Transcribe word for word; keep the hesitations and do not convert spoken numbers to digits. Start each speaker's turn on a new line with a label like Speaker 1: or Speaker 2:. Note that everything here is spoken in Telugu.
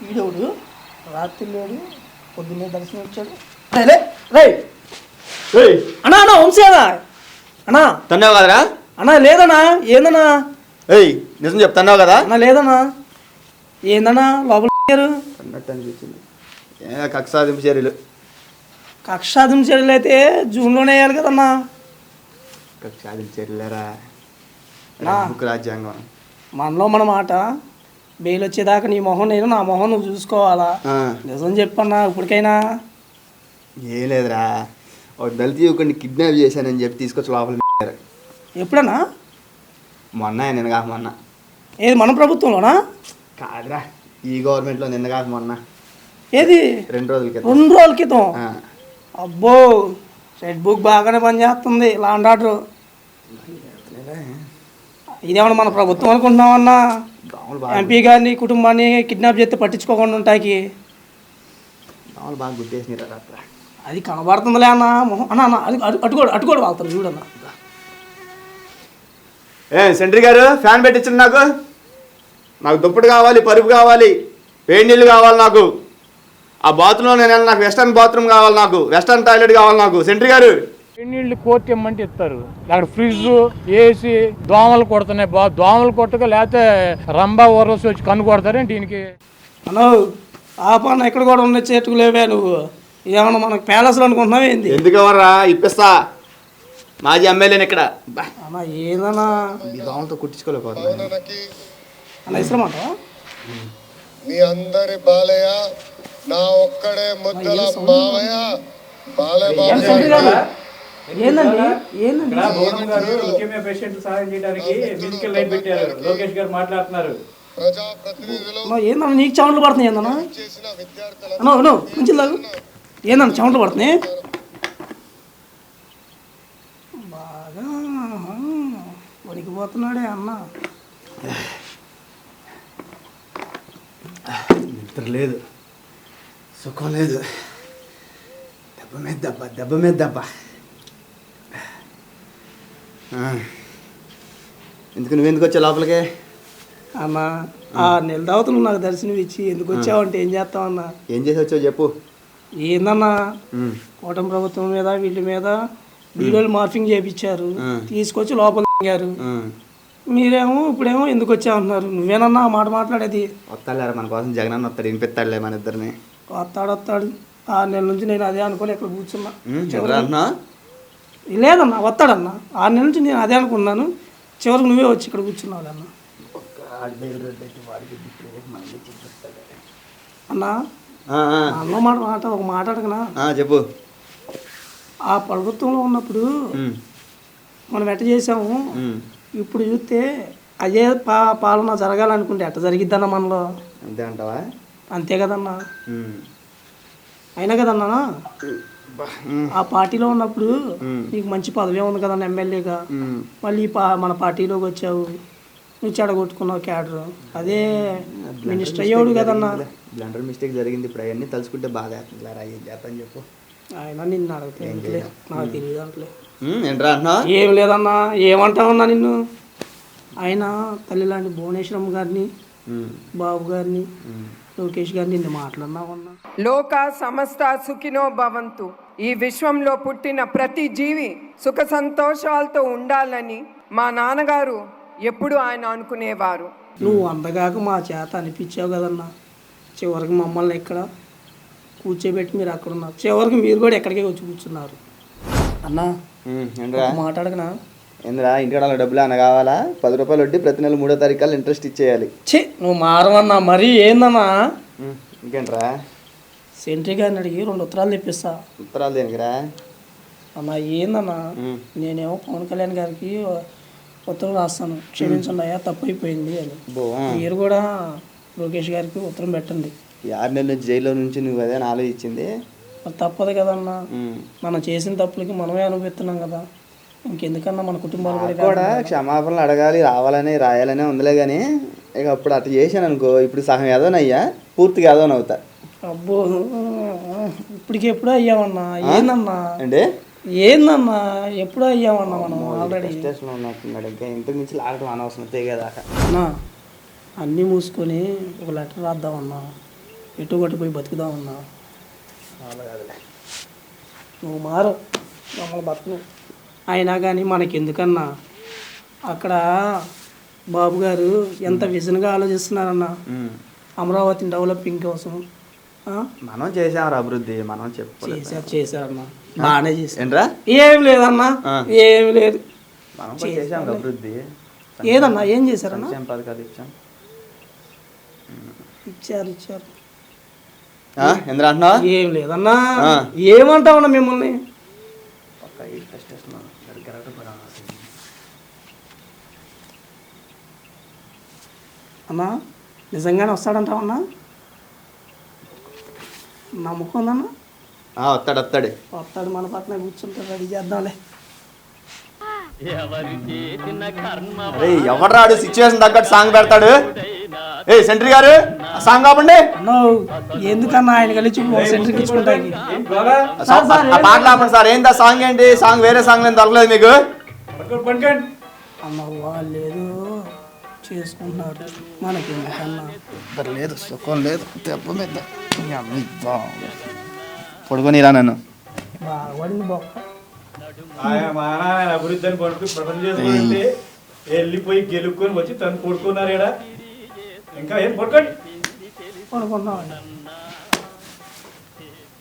Speaker 1: ఈడోడు రాత్రి లేడు పొద్దున్నే దర్శనం వచ్చాడు. రే రే అన్నా అన్నా వంశీనా అన్నా
Speaker 2: తన్నావు కదరా
Speaker 1: అన్నా? లేదన్నా. ఏందన్నా?
Speaker 2: ఏయ్ నిజం చెప్తున్నావు కదా?
Speaker 1: అన్నా లేదన్నా. ఏందన్నా లోపల
Speaker 2: అన్నట్టు అనిపించింది. ఏ కక్షాదింపు చర్యలు
Speaker 1: కక్షాదింపు చర్యలు అయితే జూన్లోనే వేయాలి కదన్నా.
Speaker 2: కక్షాదింపు చర్యలేరా రాజ్యాంగం.
Speaker 1: మనలో మన మాట బెయిల్ వచ్చేదాకా నీ మొహం నేను, నా మొహం నువ్వు చూసుకోవాలా. నిజం చెప్పన్నా ఇప్పటికైనా.
Speaker 2: ఏం లేదురా, ఒక దళిత యువకుడిని కిడ్నాప్ చేశానని చెప్పి తీసుకొచ్చి లోపల.
Speaker 1: ఎప్పుడన్నా?
Speaker 2: మొన్న నిన్న కాక మొన్న.
Speaker 1: ఏది మన ప్రభుత్వంలోనా?
Speaker 2: కాదురా, ఈ గవర్నమెంట్లో నిన్న కాక మొన్న.
Speaker 1: ఏది?
Speaker 2: రెండు రోజుల క్రితం.
Speaker 1: రెండు రోజుల క్రితం? అబ్బో, రెడ్ బుక్ బాగానే పనిచేస్తుంది. లాండ్ ఆర్డర్ ఇదేమన్నా మన ప్రభుత్వం అనుకుంటున్నామన్నా? ఎంపీ గారిని కుటుంబాన్ని కిడ్నాప్ చేస్తే పట్టించుకోకుండా ఉంటాకి
Speaker 2: బాగా గుర్తేసినారు.
Speaker 1: అది కనబడుతుందిలే అన్న మొహం. అన్న అన్న అది అటుకోడు అటుకోడు వాళ్తారు చూడన్న.
Speaker 2: ఏ సెంట్రీ గారు, ఫ్యాన్ పెట్టించండి. నాకు నాకు దుప్పటి కావాలి, పరుపు కావాలి, వేడి నీళ్ళు కావాలి. నాకు ఆ బాత్రూంలో నేను నాకు వెస్టర్న్ బాత్రూమ్ కావాలి, నాకు వెస్టర్న్ టాయిలెట్ కావాలి. నాకు సెంట్రీ గారు
Speaker 3: నీళ్ళు కోర్టు ఇమ్మంటే ఇస్తారు. అక్కడ ఫ్రిడ్జ్, ఏసీ, దోమలు కొడుతున్నాయి. బా దోమలు కొట్టక లేకపోతే రంబా ఓరసి వచ్చి కన్ను కొడతారేంటి దీనికి?
Speaker 1: అను ఆ పని ఎక్కడ కూడా ఉన్న చేతుకు లేవే. నువ్వు ఏమన్నా మనకు ప్యాలెస్లో అనుకుంటున్నావు ఏంది?
Speaker 2: ఎందుకు ఎవర్రా ఇప్పిస్తా, మాజీ ఎమ్మెల్యేని ఇక్కడ.
Speaker 1: అన్నా ఏదన్నా
Speaker 2: ఈ దోమలతో కుట్టించుకోలేకపోతున్నా
Speaker 1: అన్న ఇష్టమాట.
Speaker 4: మీ అందరి బాలయ్య నా ఒక్కడే ముద్దల మావయ్య బాలయ్య బాబు.
Speaker 1: ఏందండి ఏందండి
Speaker 5: పేషెంట్ సహాయం చేయడానికి మెడికల్ లైన్ పెట్టారు. లోకేష్ గారు మాట్లాడుతున్నారు.
Speaker 4: ప్రజాప్రతినిధులు
Speaker 1: ఏందన్నా నీకు చెమటలు పడుతున్నాయి? ఏందన్నా
Speaker 4: చేసిన విద్యార్థుల
Speaker 1: అన్నో అన్నో కొంచెం లాగు. ఏందన్నా చెమటలు పడుతున్నాయి బాగా? వణికిపోతున్నాడే అన్న.
Speaker 2: నిద్ర లేదు, సుఖం లేదు, దెబ్బ మీద దెబ్బ, దెబ్బ మీద దెబ్బ. ఎందుకు నువ్వెందుకు వచ్చావు లోపలికి?
Speaker 1: అన్న ఆ నెల తర్వాత నువ్వు నాకు దర్శనం ఇచ్చి ఎందుకు వచ్చావంటే ఏం చేస్తావన్నా?
Speaker 2: ఏం చేసి వచ్చావు చెప్పు.
Speaker 1: ఏందన్నా కూటమి ప్రభుత్వం మీద వీళ్ళ మీద వీడియోలు మార్ఫింగ్ చేయించారు, తీసుకొచ్చి లోపల దిగారు. మీరేమో ఇప్పుడేమో ఎందుకు వచ్చావంటున్నారు. నువ్వేనన్నా ఆ మాట మాట్లాడేది?
Speaker 2: వస్తాడులేరా మన కోసం, జగన్ అన్న వస్తాడు, వినిపిస్తాడులే మన ఇద్దరిని.
Speaker 1: వస్తాడు వస్తాడు ఆరు నెలల నుంచి నేను అదే అనుకోని ఇక్కడ కూర్చున్నా.
Speaker 2: అంటున్నా
Speaker 1: లేదన్నా వస్తాడన్నా, ఆరు నెలల నుంచి నేను అదే అనుకున్నాను. చివరికి నువ్వే వచ్చి ఇక్కడ కూర్చున్నావు అన్న. అన్నా అన్న మాట మాట ఒక మాట అడగనా?
Speaker 2: చెప్పు.
Speaker 1: ఆ ప్రభుత్వంలో ఉన్నప్పుడు మనం ఎట్ట చేసాము, ఇప్పుడు చూస్తే అదే పా పాలన జరగాలనుకుంటే ఎట్ట జరిగిద్దన్న మనలో?
Speaker 2: అంతే అంటావా?
Speaker 1: అంతే కదన్నా. అయినా కదన్నా ఆ పార్టీలో ఉన్నప్పుడు నీకు మంచి పదవి ఉంది కదన్నా ఎమ్మెల్యేగా. మళ్ళీ పా మన పార్టీలోకి వచ్చావు, నువ్వు చెడగొట్టుకున్నావు క్యాడర్. అదే మినిస్టర్ అయ్యాడు కదన్నా.
Speaker 2: బ్లండర్ మిస్టేక్ జరిగింది. ఇప్పుడు అవన్నీ తలుచుకుంటే బాగా ఏం చేస్తాను చెప్పు.
Speaker 1: ఆయన నిన్ను అడిగితే నాకు తెలియదు అంటలే.
Speaker 2: ఏంట్రా అంటున్నా? ఏం
Speaker 1: లేదన్నా. ఏమంటావన్నా నిన్ను? ఆయన తల్లి లాంటి భువనేశ్వరం గారిని, బాబు గారిని, లోకేష్ గారిని నిన్ను మాట్లాడినావన్నా.
Speaker 6: లోక సమస్త సుఖినో భవంతు. ఈ విశ్వంలో పుట్టిన ప్రతి జీవి సుఖ సంతోషాలతో ఉండాలని మా నాన్నగారు ఎప్పుడు ఆయన అనుకునేవారు.
Speaker 1: నువ్వు అందగాక మా చేత అనిపించావు కదన్నా. చివరికి మమ్మల్ని ఇక్కడ కూర్చోబెట్టి మీరు అక్కడ ఉన్నారు. చివరికి మీరు కూడా ఎక్కడికే వచ్చి కూర్చున్నారు అన్నా. మాట్లాడకనా?
Speaker 2: ఏంద్రా ఇంటికాడ డబ్బులు అన్న కావాలా? పది రూపాయలు వడ్డీ, ప్రతి నెల మూడో తారీఖు ఇంట్రెస్ట్ ఇచ్చేయాలి.
Speaker 1: ఛే నువ్వు మారవన్నా. మరీ ఏందన్నా?
Speaker 2: ఇంకేంట్రా?
Speaker 1: సెంట్రీ గారిని అడిగి రెండు ఉత్తరాలు తెప్పిస్తా.
Speaker 2: ఉత్తరాలు దేనికిరా
Speaker 1: అన్నా? ఏందన్నా, నేనేమో పవన్ కళ్యాణ్ గారికి ఉత్తరం రాస్తాను, క్షమించండి అయ్యా తప్పు అయిపోయింది అని. మీరు కూడా లోకేష్ గారికి ఉత్తరం పెట్టండి.
Speaker 2: ఆరు నెలల నుంచి జైల్లో నుంచి నువ్వు అదే ఆలోచించింది.
Speaker 1: మరి తప్పదు కదన్నా, మనం చేసిన తప్పులకి మనమే అనుభవిస్తున్నాం కదా. ఇంకెందుకన్నా మన కుటుంబాలు
Speaker 2: కూడా క్షమాపణలు అడగాలి, రావాలని రాయాలనే ఉందిలే. కానీ ఇక అప్పుడు అట్లా చేశాను అనుకో, ఇప్పుడు సగం ఏదోనయ్యా, పూర్తిగా ఏదోని అవుతా.
Speaker 1: అబ్బో ఇప్పటికి ఎప్పుడో అయ్యామన్నా. ఏందన్నా
Speaker 2: అంటే
Speaker 1: ఏందన్నా ఎప్పుడో అయ్యామన్నా మనం ఆల్రెడీ.
Speaker 2: స్టేషన్లో ఉన్నట్టున్నాడు, ఇంకా ఇంటికి నుంచి లాగటం అనవసరం తెగేదాకా.
Speaker 1: అన్నా అన్నీ మూసుకొని ఒక లెటర్ రాద్దామన్నా. ఎటు కొట్టి పోయి బతుకుదామన్నా. నువ్వు మారు మమ్మల్ని బతుకు. అయినా కానీ మనకి ఎందుకన్నా అక్కడ బాబు గారు ఎంత విజన్గా ఆలోచిస్తున్నారన్న అమరావతిని డెవలపింగ్ కోసం.
Speaker 2: మనం చేసాం అభివృద్ధి, మనం చెప్పు
Speaker 1: చేశారు చేశారన్నా, బాగానే చేశారు.
Speaker 2: ఏంట్రా
Speaker 1: ఏం లేదన్నా, ఏం లేదు.
Speaker 2: మనం చేసాం అభివృద్ధి.
Speaker 1: ఏదన్నా ఏం చేశారన్నా?
Speaker 2: పథకాలు ఇచ్చాం.
Speaker 1: ఇచ్చారు ఇచ్చారు.
Speaker 2: ఎందుకు అంటున్నావు?
Speaker 1: ఏం లేదన్నా. ఏమంటావన్నా మిమ్మల్ని? అన్నా నిజంగానే వస్తాడంటావన్నా? నమ్మకం ఉందన్నా?
Speaker 2: వస్తాడు వస్తాడు
Speaker 1: వస్తాడు. మన పక్కన కూర్చుంటాడు, రెడీ చేద్దాంలే.
Speaker 2: అరే ఎవడు రాడు సిచ్యువేషన్ తగ్గట్టు సాంగ్ పెడతాడు. ఏ సెంట్రీ గారు సాంగ్ కాపండి.
Speaker 1: ఎందుకన్నా ఆయన కలిసి సెంట్రీకి ఇచ్చుకుంటాకి
Speaker 2: పాటలు ఆపండి సార్. ఏంటి ఆ సాంగ్? ఏంటి సాంగ్? వేరే సాంగ్ నేను దొరకలేదు మీకు.
Speaker 1: అన్న వాళ్ళు ఏదో చేసుకుంటున్నారు, మనకి ఎందుకన్నా
Speaker 2: లేదు, సుఖం లేదు. దెబ్బ మీద పడుకోనిరా నన్ను.
Speaker 1: బాగా పడింది బొక్క.
Speaker 5: అభివృద్ధి అని పడుతూ ప్రపంచం వెళ్ళిపోయి గెలుపుకొని వచ్చి తను కొడుకున్నారు. ఇంకా ఏం పడుకోండి
Speaker 1: పడుకున్నామండి.